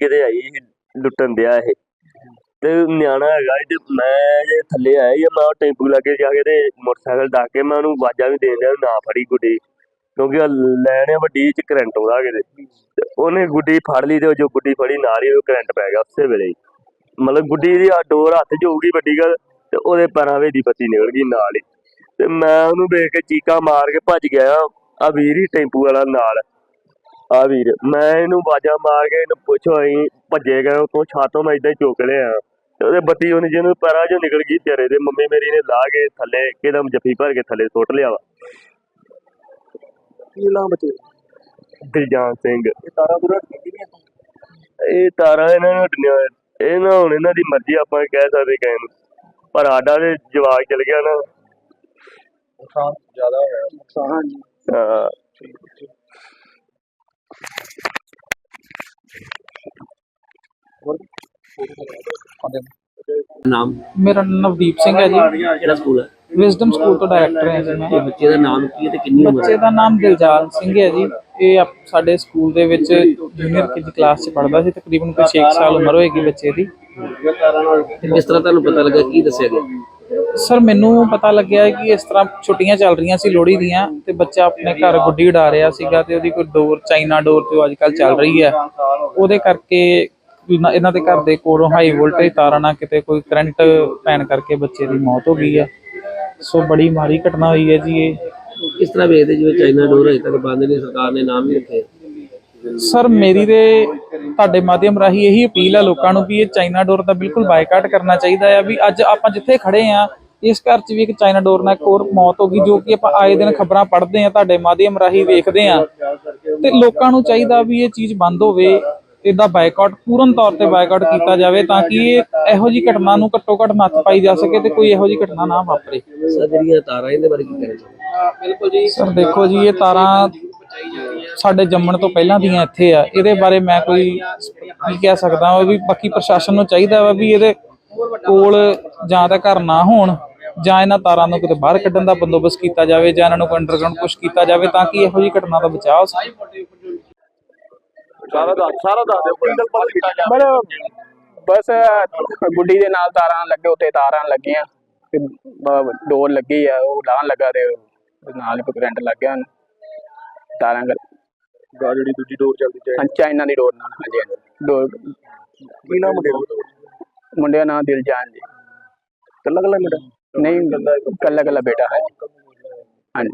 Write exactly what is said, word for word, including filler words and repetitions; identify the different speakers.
Speaker 1: ਕਿਤੇ ਆਈ ਸੀ ਲੁੱਟਣ ਦਿਆ ਇਹ ਤੇ ਨਿਆਣਾ ਹੈਗਾ ਤੇ ਮੈਂ ਜੇ ਥੱਲੇ ਆਇਆ ਜਾਂ ਮੈਂ ਟੈਂਪੂ ਲਾਗੇ ਜਾ ਕੇ ਤੇ ਮੋਟਰਸਾਈਕਲ ਡਾਕ ਕੇ ਮੈਂ ਉਹਨੂੰ ਆਵਾਜ਼ਾਂ ਵੀ ਦੇਣ ਡਿਆ ਨਾ ਫੜੀ ਗੁੱਡੀ, ਕਿਉਂਕਿ ਲੈਣ ਆ ਵੱਡੀ ਚ ਕਰੰਟ ਆਉਂਦਾ ਕਿਤੇ ਤੇ ਉਹਨੇ ਗੁੱਡੀ ਫੜ ਲਈ ਤੇ ਜੋ ਗੁੱਡੀ ਫੜੀ ਨਾਲ ਹੀ ਉਹ ਕਰੰਟ ਪੈ ਗਿਆ ਉਸੇ ਵੇਲੇ ਹੀ। ਮਤਲਬ ਗੁੱਡੀ ਦੀ ਡੋਰ ਹੱਥ 'ਚ ਹੋਊਗੀ ਵੱਡੀ ਗੱਲ ਤੇ ਉਹਦੇ ਪੈਰਾਂ ਵਿੱਚ ਦੀ ਬੱਤੀ ਨਿਕਲ ਗਈ ਨਾਲ ਹੀ। ਤੇ ਮੈਂ ਉਹਨੂੰ ਵੇਖ ਕੇ ਚੀਕਾਂ ਮਾਰ ਕੇ ਭੱਜ ਗਿਆ। ਆ ਵੀਰ ਹੀ ਟੈਂਪੂ ਵਾਲਾ ਨਾਲ ਆ ਵੀਰ, ਮੈਂ ਇਹਨੂੰ ਆਵਾਜ਼ਾਂ ਮਾਰ ਕੇ ਇਹਨੂੰ ਪੁੱਛੋ ਅਸੀਂ ਭੱਜੇ ਗਏ ਉੱਥੋਂ ਛਾਤੋਂ ਮੈਂ ਏਦਾਂ ਹੀ ਚੁੱਕ ਲਿਆ ਤੇ ਉਹਦੇ ਬੱਤੀ ਉਹਨੇ ਜਿਹਨੂੰ ਪੈਰਾਂ 'ਚੋਂ ਨਿਕਲ ਗਈ ਤੇਰੇ ਦੇ ਮੰਮੀ ਮੇਰੀ ਨੇ ਲਾ ਕੇ ਥੱਲੇ ਇੱਕਦਮ ਜੱਫੀ ਭਰ ਕੇ ਥੱਲੇ ਸੁੱਟ ਲਿਆ ਵਾ।
Speaker 2: ਕੀ ਨਾਮ ਬੱਚੇ?
Speaker 1: ਦਿਲਜਾਨ ਸਿੰਘ।
Speaker 2: ਇਹ ਤਾਰਾਂ ਪੂਰਾ
Speaker 1: ਇਹ ਤਾਰਾਂ ਇਹਨਾਂ ਨੂੰ ਹੱਟਣੀਆਂ ਇਹ ਨਾ ਹੁਣ ਇਹਨਾਂ ਦੀ ਮਰਜ਼ੀ, ਆਪਾਂ ਕਹਿ ਸਕਦੇ ਕਿਸੇ ਨੂੰ, ਪਰ ਸਾਡਾ ਤੇ ਜਵਾਕ ਚਲ ਗਿਆ ਨਾ।
Speaker 2: ਨੁਕਸਾਨ ਜ਼ਿਆਦਾ ਹੋਇਆ। ਨੁਕਸਾਨ
Speaker 1: ਹਾਂ
Speaker 3: ਨਾਮ?
Speaker 4: ਮੇਰਾ ਨਾਮ ਨਵਦੀਪ ਸਿੰਘ ਹੈ ਜੀ।
Speaker 3: ਕਿਹੜਾ ਸਕੂਲ ਹੈ?
Speaker 4: ਵਿਜ਼ਡਮ ਸਕੂਲ ਤੋਂ ਡਾਇਰੈਕਟਰ ਹਾਂ ਜੀ ਮੈਂ।
Speaker 3: ਇਹ ਬੱਚੇ ਦਾ ਨਾਮ ਕੀ ਹੈ ਤੇ ਕਿੰਨੀ ਉਮਰ
Speaker 4: ਬੱਚੇ
Speaker 3: ਹੈ?
Speaker 4: ਦਾ ਨਾਮ ਦਿਲਜਾਨ ਸਿੰਘ ਹੈ ਜੀ। ਇਹ ਆਪ- ਸਾਡੇ ਸਕੂਲ ਦੇ ਵਿੱਚ ਜੂਨੀਅਰ ਕੇ ਕਲਾਸ 'ਚ ਪੜ੍ਹਦਾ ਸੀ। ਤਕਰੀਬਨ ਕੋਈ ਛੇ ਸਾਲ ਉਮਰ ਹੋਏਗੀ ਬੱਚੇ ਦੀ।
Speaker 3: ਤੇ ਕਿਸ ਤਰ੍ਹਾਂ ਤੁਹਾਨੂੰ ਪਤਾ ਲੱਗਾ, ਕੀ ਦੱਸਿਆ ਗਿਆ?
Speaker 4: ਸਰ ਮੈਨੂੰ ਪਤਾ ਲੱਗਿਆ ਕਿ ਇਸ ਤਰ੍ਹਾਂ ਛੁੱਟੀਆਂ ਚੱਲ ਰਹੀਆਂ ਸੀ ਲੋਹੜੀ ਦੀਆਂ ਤੇ ਬੱਚਾ ਆਪਣੇ ਘਰ ਗੁੱਡੀ ਉਡਾ ਰਿਹਾ ਸੀਗਾ ਤੇ ਉਹਦੀ ਕੋਈ ਡੋਰ ਚਾਈਨਾ ਡੋਰ ਤੇ ਅੱਜ ਕੱਲ੍ਹ ਚੱਲ ਰਹੀ ਹੈ, ਉਹਦੇ ਕਰਕੇ ਇਹਨਾਂ ਦੇ ਘਰ ਦੇ ਕੋਲੋਂ ਹਾਈ ਵੋਲਟੇਜ ਤਾਰਾਂ ਨਾਲ ਕਿਤੇ ਕੋਈ ਕਰੰਟ ਪੈਣ ਕਰਕੇ ਬੱਚੇ ਦੀ ਮੌਤ ਹੋ ਗਈ ਹੈ। ਸੋ ਬੜੀ ਮਾੜੀ ਘਟਨਾ ਹੋਈ ਹੈ ਜੀ। ਇਹ
Speaker 3: ਕਿਸ ਤਰ੍ਹਾਂ ਵੇਖਦੇ ਜਿਵੇਂ ਚਾਈਨਾ ਡੋਰ ਅਜੇ ਤੱਕ ਬੰਦ ਨਹੀਂ, ਸਰਕਾਰ ਨੇ ਨਾਮ ਹੀ ਰੱਖੇ?
Speaker 4: ਸਰ ਮੇਰੀ ਤੇ ਤੁਹਾਡੇ ਮਾਧਿਅਮ ਰਾਹੀਂ ਇਹੀ ਅਪੀਲ ਹੈ ਲੋਕਾਂ ਨੂੰ ਵੀ ਇਹ ਚਾਈਨਾ ਡੋਰ ਦਾ ਬਿਲਕੁਲ ਬਾਈਕਾਟ ਕਰਨਾ ਚਾਹੀਦਾ ਹੈ। ਵੀ ਅੱਜ ਆਪਾਂ ਜਿੱਥੇ ਖੜੇ ਆ ਇਸ ਘਰ 'ਚ ਵੀ ਇੱਕ ਚਾਈਨਾ ਡੋਰ ਨਾਲ ਇੱਕ ਹੋਰ ਮੌਤ ਹੋ ਗਈ, ਜੋ ਕਿ ਆਪਾਂ ਆਏ ਦਿਨ ਖਬਰਾਂ ਪੜ੍ਹਦੇ ਆ, ਤੁਹਾਡੇ ਮਾਧਿਅਮ ਰਾਹੀਂ ਵੇਖਦੇ ਆ, ਤੇ ਲੋਕਾਂ ਨੂੰ ਚਾਹੀਦਾ ਵੀ ਇਹ ਚੀਜ਼ ਬੰਦ ਹੋਵੇ। ਇਹਦਾ ਬਾਈਕਾਟ ਪੂਰਨ ਤੌਰ ਤੇ ਬਾਈਕਾਟ ਕੀਤਾ ਜਾਵੇ ਤਾਂ ਕਿ ਇਹ ਇਹੋ ਜਿਹੀ ਘਟਨਾ ਨੂੰ ਘੱਟੋ ਘੱਟ ਨੱਥ ਪਾਈ ਜਾ ਸਕੇ ਤੇ ਕੋਈ ਇਹੋ ਜਿਹੀ ਘਟਨਾ ਨਾ ਵਾਪਰੇ।
Speaker 3: ਸਰ ਜਿਹੜੀਆਂ ਤਾਰਾਂ ਇਹਦੇ ਬਾਰੇ ਕੀ ਕਹਿਣਾ ਚਾਹੁੰਦੇ?
Speaker 4: ਬਿਲਕੁਲ ਜੀ ਸਰ ਦੇਖੋ ਜੀ, ਇਹ ਤਾਰਾਂ ਸਾਡੇ ਜੰਮਣ ਤੋਂ ਪਹਿਲਾਂ ਦੀਆਂ ਇੱਥੇ ਆ। ਇਹਦੇ ਬਾਰੇ ਮੈਂ ਕੋਈ ਕੀ ਕਹਿ ਸਕਦਾ ਵਾ ਵੀ ਬਾਕੀ ਪ੍ਰਸ਼ਾਸਨ ਨੂੰ ਚਾਹੀਦਾ ਵਾ ਵੀ ਇਹਦੇ ਕੋਲ ਜਾਂ ਤਾਂ ਘਰ ਨਾ ਹੋਣ ਜਾਂ ਇਹਨਾਂ ਤਾਰਾਂ ਨੂੰ ਕਿਤੇ ਬਾਹਰ ਕੱਢਣ ਦਾ ਬੰਦੋਬਸਤ ਕੀਤਾ ਜਾਵੇ ਜਾਂ ਇਹਨਾਂ ਨੂੰ ਕੋਈ ਅੰਡਰਗਰਾਊਂਡ ਪੁਸ਼ ਕੀਤਾ ਜਾਵੇ ਤਾਂ ਕਿ ਇਹੋ ਜਿਹੀ ਘਟਨਾ ਦਾ ਬਚਾਅ ਹੋ ਸਕੇ।
Speaker 2: ਸਾਰਾ ਦਾ ਸਾਰਾ ਦੱਸ ਦਿਓ।
Speaker 5: ਬਸ ਗੁੱਡੀ ਦੇ ਨਾਲ ਤਾਰਾਂ ਲੱਗੇ, ਉੱਤੇ ਤਾਰਾਂ ਲੱਗੀਆਂ ਤੇ ਡੋਰ ਲੱਗੀ ਆ, ਉਹ ਲਾਣ ਲੱਗਾ ਤੇ ਨਾਲ ਹੀ ਕਰੰਟ ਲੱਗ ਗਿਆ ਉਹਨੂੰ। ਤਾਰਾਂ
Speaker 2: ਗਾ ਜਿਹੜੀ ਦੂਜੀ ਡੋਰ ਚੱਲਦੀ ਹੈ
Speaker 5: ਚਾਈਨਾ ਦੀ ਡੋਰ ਨਾਲ। ਹਾਂਜੀ ਹਾਂਜੀ ਡੋਰ।
Speaker 2: ਕੀ ਨਾਮ ਮੁੰਡੇ ਦਾ?
Speaker 5: ਮੁੰਡੇ ਦਾ ਨਾਮ ਦਿਲਜਾਨ ਜੀ।
Speaker 2: ਕੱਲਾ ਕੱਲਾ ਮੁੰਡਾ?
Speaker 5: ਨਹੀਂ ਕੱਲਾ ਕੱਲਾ ਬੇਟਾ ਹੈ।